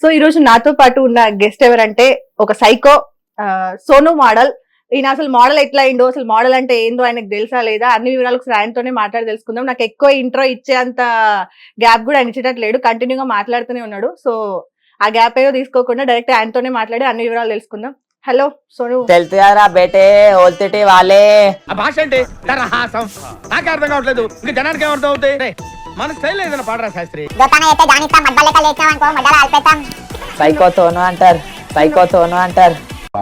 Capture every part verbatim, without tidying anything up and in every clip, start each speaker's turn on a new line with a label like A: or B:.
A: So ఈ రోజు నాతో పాటు ఉన్న గెస్ట్ ఎవరంటే ఒక సైకో సోను మోడల్. ఈయన అసలు మోడల్ ఎట్లా అయిందో, అసలు మోడల్ అంటే ఏందో ఆయనకు తెలుసా లేదా అన్ని వివరాలు ఒకసారి ఆయనతోనే మాట్లాడి తెలుసుకుందాం. నాకు ఎక్కువ ఇంట్రో ఇచ్చేంత గ్యాప్ కూడా ఆయన ఇచ్చేటట్లేడు, కంటిన్యూగా మాట్లాడుతూనే ఉన్నాడు. సో ఆ గ్యాప్ ఏదో తీసుకోకుండా డైరెక్ట్ ఆయనతోనే మాట్లాడి అన్ని వివరాలు తెలుసుకుందాం. హలో సోను.
B: తెలుసురా బేటే ఓల్తిటి వాళ్ళే
C: ఆ భాష అంటే తరహాసం నాకే అర్థం కావట్లేదు. ఇంకా జనానికి ఏమర్థం అవుతాయి? మన స్టైల్ ఏదైనా పాడరా శాస్త్రి.
B: సైకో సోను అంటారు, సైకో సోను అంటారు.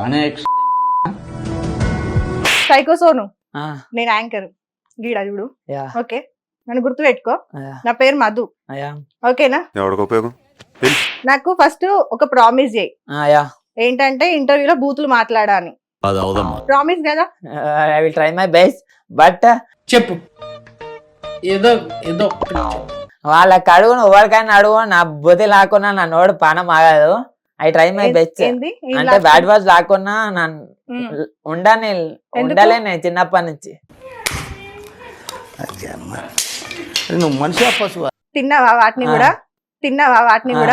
A: సైకో సోను,
B: ఆ,
A: నేను యాంకర్ గీడా చూడు.
B: యా,
A: ఓకే, నన్ను గుర్తు పెట్టుకో.
B: యా,
A: నా పేరు మధు,
B: యా,
A: ఓకేనా?
D: ఎవరికి ఉపయోగం?
A: నాకు ఫస్ట్ ఒక ప్రామిస్ చేయి.
B: ఆ, యా.
A: ఏంటంటే ఇంటర్వ్యూలో బూతులు మాట్లాడా అని. ప్రామిస్ కదా?
B: I will try my best. But
E: చెప్పు ఏదో ఏదో
B: వాళ్ళకి అడుగు, ఎవరికైనా అడుగు, నా బుద్ధి లాక్కున్నా నా నోడు పానం ఆగదు. I try my best.
A: ఏంది? ఏం
B: అంటే
A: లాస్ట్?
B: బ్యాడ్ వర్డ్స్ లాక్కున్నా నా
A: ఉమ్.
B: ఉండని ఉండలే నేను చిన్నప్పటి నుంచి.
C: నువ్వు మనిషి పశువు.
A: తిన్నావా వాటిని
B: ఆ.
A: కూడా? తిన్నావా వాటిని
B: ఆ.
A: కూడా?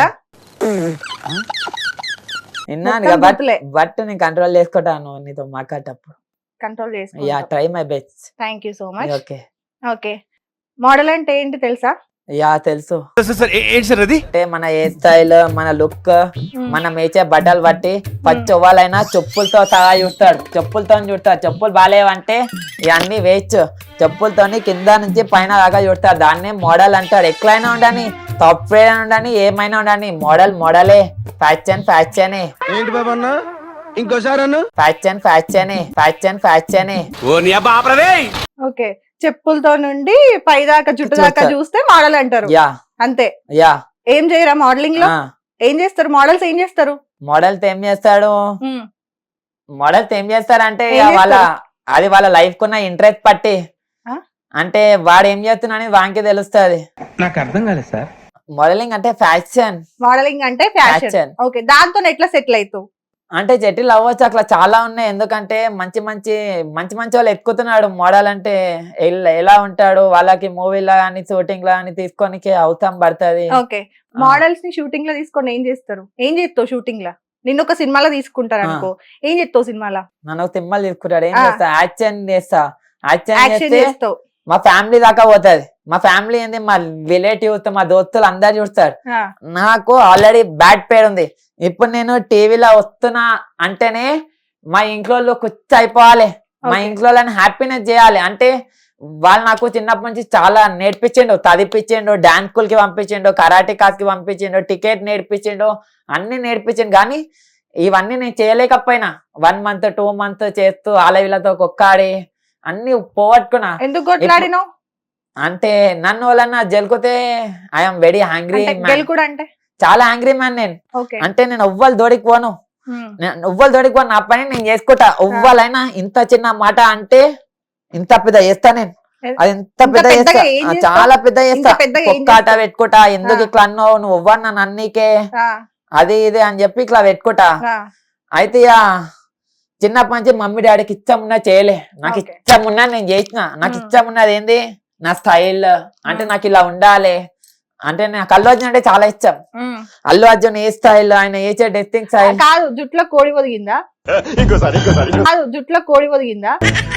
B: విన్నాను
A: మొత్తం
B: బట్
A: బూతులే.
B: బట్ నేను కంట్రోల్ చేసుకుంటాను నీతో మాట్లాడేటప్పుడు.
A: కంట్రోల్
B: యా,
A: చేసుకో.
B: Try my best.
A: Thank you so much.
B: Okay.
A: Okay, model అంటే ఏంటి తెలుసా?
B: యా, తెలుసు.
C: సార్ ఏంటి సార్ అది?
B: అంటే మన హెయిర్ స్టైల్, మన లుక్, మనం వేసే బట్టలు బట్టి పచ్చి వాళ్ళైనా చెప్పులతో సహా చూస్తాడు. చెప్పులతో చూస్తాడు. చెప్పులు బాగాలేవంటే ఇవన్నీ వేయచ్చు. చెప్పులతో కింద నుంచి పైన దాకా చూస్తాడు. దాన్నే మోడల్ అంటాడు. ఎట్లయినా ఉండని, సాఫ్ట్వేర్ ఉండని, ఏమైనా ఉండని, మోడల్ మోడలే. ఫ్యాషన్ ఫ్యాషనే.
C: ఏంటి బాబా అన్న? ఇంకోసారి అన్న.
B: ఫ్యాషన్ ఫ్యాషనే. ఫ్యాషన్ ఫ్యాషనే.
C: ఓ నీ అబ్బా ఆపరదే.
A: ఓకే, చెప్పులతో నుండి పైదాకా జుట్టు దాకా
B: చూస్తా.
A: చూస్తే మోడల్ అంటారు.
B: యా,
A: అంతే.
B: యా.
A: ఏం చేయరా మోడలింగ్ లో? ఏం చేస్తారు మోడల్స్? ఏం చేస్తారు?
B: మోడల్స్ ఏం చేస్తాడు?
A: ఉమ్.
B: మోడల్స్ ఏం చేస్తారంటే
A: ఏం
B: ఇక వాళ్ళ
A: చేస్తారు?
B: అది వాళ్ళ లైఫ్ కున్న ఇంట్రెస్ట్ పట్టి,
A: ఆ?
B: అంటే వాడు ఏం చేస్తున్నా అనేది వానికి తెలుస్తుంది.
C: నాకు అర్థం కాలేదు సార్.
B: మోడలింగ్ అంటే ఫ్యాషన్.
A: మోడలింగ్ అంటే ఫ్యాషన్.
B: Fashion.
A: ఓకే, దాంతో ఎట్లా సెటిల్ అవుతావు?
B: అంటే జటిల్ అవ్వచ్చు, అట్లా చాలా ఉన్నాయి. ఎందుకంటే మంచి మంచి మంచి మంచి వాళ్ళు ఎక్కుతున్నాడు. మోడల్ అంటే ఎల్- ఎలా ఉంటాడు, వాళ్ళకి మూవీలో కానీ షూటింగ్ లో కానీ తీసుకోనికి అవసరం పడుతుంది.
A: ఓకే, మోడల్స్ ని షూటింగ్ లో తీసుకొని ఏం చేస్తారు? ఏం చేస్తావు షూటింగ్ లో? నిన్ను ఒక సినిమాలో తీసుకుంటారు అనుకో, ఏం చేస్తావు సినిమాలో?
B: నన్ను ఒక సినిమాలు తీసుకుంటాడు. ఏం
A: ఆ.
B: చేస్తా? యాక్షన్ చేస్తా. యాక్షన్
A: యాక్షన్
B: చేస్తే
A: చేస్తావు.
B: మా ఫ్యామిలీ దాకా పోతుంది. మా ఫ్యామిలీ ఏంది, మా రిలేటివ్స్, మా దోస్తులు అందరు చూస్తారు.
A: ఆ,
B: నాకు ఆల్రెడీ బ్యాడ్ పేరు ఉంది. ఇప్పుడు నేను టీవీలో వస్తున్నా అంటేనే మా ఇంట్లో కుచ్చి అయిపోవాలి. మా
A: Okay.
B: ఇంట్లో హ్యాపీనెస్ చేయాలి. అంటే వాళ్ళు నాకు చిన్నప్పటి నుంచి చాలా నేర్పించిండు. చదివిపించిండు, డాన్స్ స్కూల్ కి పంపించిండు, కరాటే క్లాస్ కి పంపించిండు, టికెట్ నేర్పించిండు, అన్ని నేర్పించిండు. కానీ ఇవన్నీ నేను చేయలేకపోయినా వన్ మంత్ టూ మంత్ చేస్తూ ఆలవిలతో కొక్కాడి అన్ని పోగొట్టుకున్నా.
A: ఎందుకు కొట్లాడినావు?
B: అంటే నన్ను వాళ్ళన్నా జలుకుతే ఐఎమ్ వెరీ హ్యాంగ్రీ
A: అంటే
B: మ్యాన్.
A: గెలుకుడు అంటే?
B: చాలా హ్యాంగ్రీ మ్యాన్ నేను.
A: ఓకే.
B: అంటే నేను ఎవ్వరు దోడికి పోను.
A: ఉమ్.
B: నేను ఎవ్వరు దోడికి పోను. నా పని నేను చేసుకుంటా. ఎవ్వరైనా ఇంత చిన్న మాట అంటే ఇంత పెద్ద చేస్తా నేను. అది ఎంత
A: ఇంత
B: పెద్ద చేస్తా,
A: పెద్దగా ఏం
B: ఆ,
A: చేస్తావు?
B: చాలా పెద్ద చేస్తా.
A: ఇంత పెద్దగా ఏం
B: ఒక్కాట
A: చేస్తావు?
B: పెట్టుకుంటా. ఎందుకు
A: ఆ.
B: ఇట్లా అన్నావు, నువ్వు ఎవ్వరు నన్ను అన్నీకే
A: ఆ,
B: అది ఇది అని చెప్పి ఇట్లా పెట్టుకుంటా.
A: ఆ.
B: అయితే ఇక చిన్నప్పటి నుంచి మమ్మీ డాడీకి ఇష్టం ఉన్నా చేయలే. నాకు
A: Okay.
B: ఇష్టం ఉన్నా నేను చేసిన. నాకు
A: Hmm.
B: ఇష్టం ఉన్నది ఏంది, నా స్టైల్. అంటే
A: Hmm.
B: నాకు ఇలా ఉండాలి. అంటే నాకు అల్లు అర్జున్ అంటే చాలా ఇష్టం.
A: ఉమ్.
B: అల్లు అర్జున్ ఏ స్టైల్, ఆయన వేసే డ్రెస్సింగ్ స్టైల్.
A: కాదు, జుట్లో కోడి ఒదిగిందా?
D: ఇంకోసారి ఇంకోసారి
A: కాదు, జుట్లో కోడి ఒదిగిందా?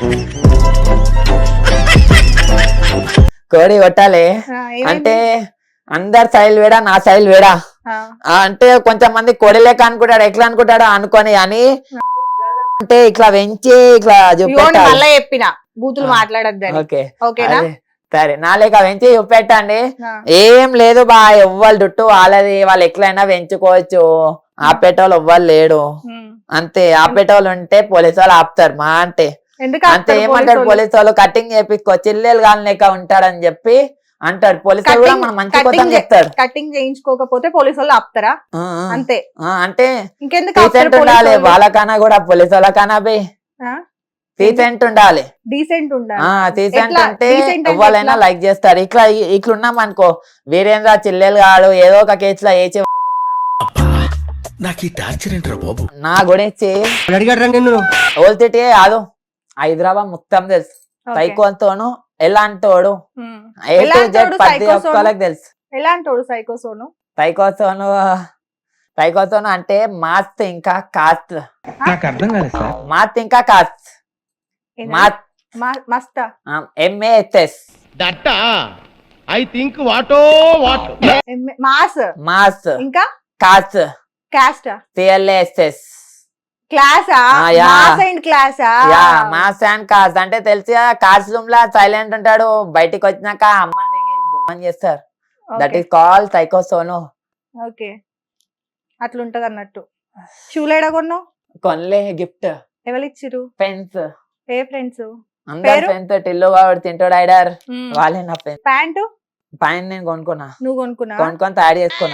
B: కోడి కొట్టాలి.
A: ఆ, ఏమైంది?
B: అంటే అందరి స్టైల్ వేడా, నా స్టైల్ వేడా.
A: ఆ,
B: ఆ, అంటే కొంచెం మంది కోడి లేక అనుకుంటాడు, ఎట్లా అనుకుంటాడు అనుకొని అని అంటే ఇట్లా పెంచి ఇట్లా
A: ఇగో నేను
B: చూపెట్టాలి.
A: మళ్ళా చెప్పిన బూతులు
B: ఆ.
A: మాట్లాడద్దని.
B: ఓకే,
A: ఓకేనా?
B: అదే. సరే, నా లేక పెంచి చూపెట్టండి.
A: ఆ.
B: ఏం లేదు బా, ఎవ్వరు దుట్టు వాళ్ళది, వాళ్ళు ఎట్లయినా పెంచుకోవచ్చు. ఆపేటోళ్ళు ఎవ్వరు లేడు.
A: ఉమ్.
B: అంతే, ఆపేటోళ్ళు ఉంటే పోలీసు వాళ్ళు ఆపుతారు మా అంటే.
A: ఎందుకు
B: అంతే,
A: ఆపుతారు
B: ఏమంటాడు
A: పోలీసోళ్ళు?
B: పోలీసు వాళ్ళు, కటింగ్ చేపించుకో, చిల్లెలు కాని లెక్క ఉంటాడని చెప్పి అంటాడు. పోలీసు వాళ్ళు కూడా
A: కటింగ్-
B: మనం మంచి
A: కటింగ్
B: కోసం
A: చే-
B: చెప్తాడు.
A: కటింగ్ చేయించుకోకపోతే పోలీసు వాళ్ళు ఆపుతారా?
B: ఆ, ఆ.
A: అంతే.
B: ఆ, అంటే
A: ఇంకెందుకు ఆపుతారు
B: డీసెంట్
A: పోలీసు
B: ఉండాలి.
A: వాళ్ళు?
B: వాళ్ళకన్నా కూడా పోలీసు వాళ్ళకన్నా బి
A: ఆ?
B: డీసెంట్ ఉండాలి.
A: డీసెంట్ ఉండాలి.
B: ఆ డీసెంట్
A: ఎట్లా?
B: అంటే
A: Decent అంటే
B: ఎవరైనా
A: ఎట్లా?
B: లైక్ చేస్తారు. ఇట్లా ఇట్లా ఉన్నాం అనుకో, వీరేంద్ర చిల్లెలు కాడు ఏదో ఒక కేసులో వేచి
C: నాకు ఈ టార్చర్ ఏంట్రా బాబు?
B: నా గురించి
C: అడిగాడు నిన్ను.
B: ఓల్తిటే కాదు, హైదరాబాద్ మొత్తం తెలుసు.
A: ఓకే.
B: సైకోతోను ఎలాంటోడు
A: ఉమ్.
B: ఏ టు
A: ఎలాంటోడు
B: జెడ్ ప్రతి
A: psycho సోను?
B: ఒక్కరికి తెలుసు.
A: ఎలాంటోడు సైకో సోను?
B: సైకోతోను సైకోసోను అంటే మాత్ ఇంకా కాత్.
C: నాకు అర్థం కాలేదు సార్.
B: మాత్ ఇంకా కాత్. మాత్
A: మస్తా
B: ఎంఏఎస్ఎస్.
C: దట్ట ఐ థింక్ వాటో వాట్.
A: మాస్
B: మాస్
A: ఇంకా
B: కాత్
A: క్యాస్టా
B: సిఎల్ఏఎస్ఎస్.
A: క్లాసా
B: ఆ, యా.
A: మాస్ అండ్ క్లాసా
B: యా మాస్ అండ్ కాస్ అంటే తెలిసి కాస్ రూమ్ లా సైలెంట్ ఉంటాడు, బయటికి వచ్చినాక అమ్మని బొమ్మని చేస్తారు. దట్ ఈస్ కాల్ సైకోసోను.
A: ఓకే అట్లుంటది అన్నట్టు. షూలు ఎడ కొన్నావు?
B: కొనలే గిఫ్ట్.
A: ఎవరు ఇచ్చిరు?
B: ఫ్రెండ్స్,
A: ఏ ఫ్రెండ్స్?
B: అందరు
A: పేరు?
B: ఫ్రెండ్స్. టిల్లు వాడు తింటాడు ఐడర్, వాళ్ళే నా ఫ్రెండ్స్.
A: ప్యాంటు
B: పైన నేను కొనుక్కున్నా,
A: నువ్వు కొనుక్కున్నా?
B: కొనుక్కొని తయారు చేసుకున్నా.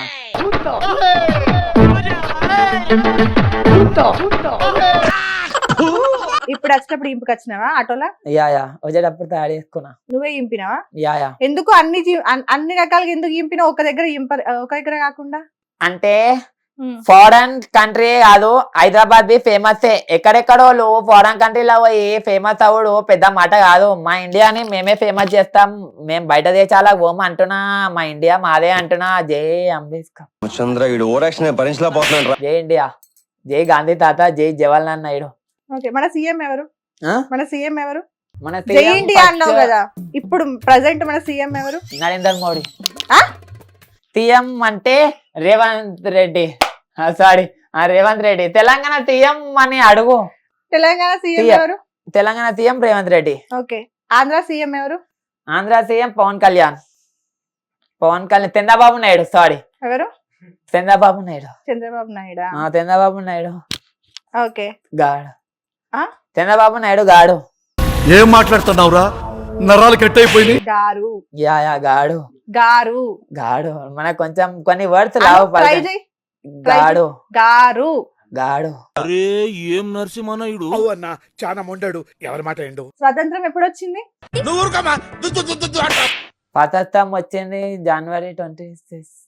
A: ఇప్పుడు వచ్చేటప్పుడు ఇంపుకి వచ్చినావా ఆటోలా?
B: యా యా వచ్చేటప్పుడు తయారు చేసుకున్నా.
A: నువ్వే ఇంపినావా?
B: యా యా
A: ఎందుకు అన్ని జీ- అన్- అన్ని రకాలుగా ఎందుకు ఇంపినా? ఒక దగ్గర ఇంప ఒక దగ్గర కాకుండా
B: అంటే ఫారెన్ కంట్రీ కాదు, హైదరాబాద్ బి ఫేమస్. ఎక్కడెక్కడో ఫారెన్ కంట్రీలో పోయి ఫేమస్ అవుడు పెద్ద మాట కాదు. మా ఇండియాని మేమే ఫేమస్ చేస్తాం. మేము బయట దేశాలకు పోము అంటున్నా, మా ఇండియా మాదే అంటున్నా. జై అంబేద్కర్,
D: చంద్ర ఈడు ఓరాక్షన్ భరించలేకపోతున్నాడు రా.
B: జై ఇండియా, జై గాంధీ తాత, జై జవహర్లాల్ నాయుడు.
A: ఓకే మన సీఎం ఎవరు?
B: ఆ?
A: మన సీఎం ఎవరు?
B: మన
A: జై ఇండియా అన్నావు కదా, ఇప్పుడు ప్రజెంట్ మన సీఎం ఎవరు?
B: నరేంద్ర మోడీ.
A: ఆ?
B: సీఎం అంటే రేవంత్ రెడ్డి. సారీ రేవంత్ రెడ్డి. తెలంగాణ సీఎం అని అడుగు.
A: Telangana CM
B: CM.
A: ఎవరు?
B: Telangana CM Revanth Reddy.
A: Okay Andhra CM ఎవరు?
B: ఆంధ్ర సీఎం పవన్ కళ్యాణ్. పవన్ కళ్యాణ్ చంద్రబాబు నాయుడు. సారీ
A: ఎవరు?
B: చంద్రబాబు నాయుడు.
A: చంద్రబాబు నాయుడా?
B: ఆ, చంద్రబాబు నాయుడు
A: ఓకే
B: గాడు.
A: ఆ?
B: చంద్రబాబు నాయుడు గాడు.
F: ఏం మాట్లాడుతున్నావురా, నరాలు కట్ అయిపోయింది.
A: గారు
B: యా యా గాడు
A: గారు
B: గాడు. మనకు కొంచెం కొన్ని వర్డ్స్ లావు
A: ట్రై
B: పలకండి.
A: చేయి. try
B: గాడు
A: గారు
B: గాడు.
F: అరే ఏం నరసింహనాయుడు అన్న, చాలా మొండాడు. ఎవరి మాట ఏండు?
A: స్వతంత్రం ఎప్పుడు వచ్చింది?
C: నువ్వు ఊరుకోమా. దు, దు, దు, దు, దు అంటావు.
B: స్వాతంత్రం వచ్చింది January twenty six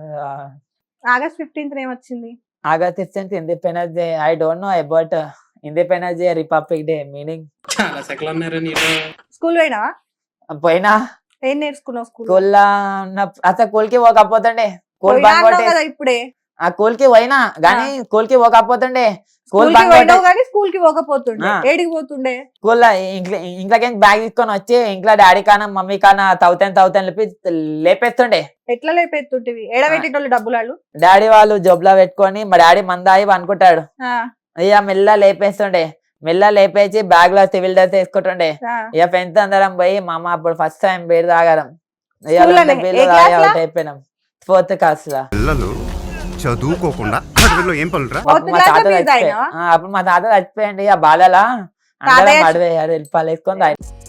A: August fifteenth ఏమొచ్చింది?
B: August fifteenth Independence Day. I don't know about Independence Day, Republic Day meaning.
E: చాలా సెకలు అన్నారా నీలో.
A: స్కూల్ పోయినావా?
B: పోయినా
A: ఏం నేర్చుకున్నావు స్కూల్?
B: స్కూల్లో ఉన్న అసలు స్కూల్ కి పోకపోతుండే. స్కూల్ బంక్ కొట్టే
A: కదా ఇప్పుడే.
B: ఆ స్కూల్ కి పోయినా గానీ స్కూల్ కి పోకపోతుండే. స్కూల్
A: స్కూల్ కి
B: బంక్
A: పోయినావు కానీ స్కూల్ కి పోకపోతుండే.
B: ఆ.
A: ఏడికి పోతుండే?
B: స్కూల్లో ఇంట్లోకి బ్యాగ్ తీసుకొని వచ్చి ఇంట్లో డాడీ కానా మమ్మీ కానా తౌతాను తౌతాను లేపి లేపేస్తుండే.
A: ఎట్లా లేపెత్తుంటివి? ఏడబెట్టేటోళ్ళు డబ్బులు వాళ్ళు.
B: డాడీ వాళ్ళు జోబులో పెట్టుకొని మా డాడీ మందాయి అనుకుంటాడు.
A: ఆ,
B: ఇక మెల్ల లేపేస్తుండే. మెల్ల లేపేసి బ్యాగ్ లో సివిల్ డ్రెస్ వేసుకుంటుండే.
A: ఆ.
B: ఇక ఫ్రెండ్స్ అందరం పోయి మా అమ్మ అప్పుడు ఫస్ట్ టైం బీర్ తాగారం. ఇక
A: School లోనే?
B: బీర్లు
A: ఏ
B: తాగి
A: class లో?
B: అవుట్ అయిపోయినాం. ఫోర్త్ క్లాస్ లో.
G: పిల్లలు చదువుకోకుండా అడవిలో ఏం పనులురా?
A: Fourth
B: అప్పుడు మా
A: class లో
B: తాత
A: బీర్
B: చచ్చిపోయి-
A: తాగినావా?
B: ఆ, అప్పుడు మా తాత చచ్చిపోయింది. ఇక బాధలా అందరం
A: తాతయ్య-
B: అడవి వెళ్ళిపాలు వేసుకొని తాగి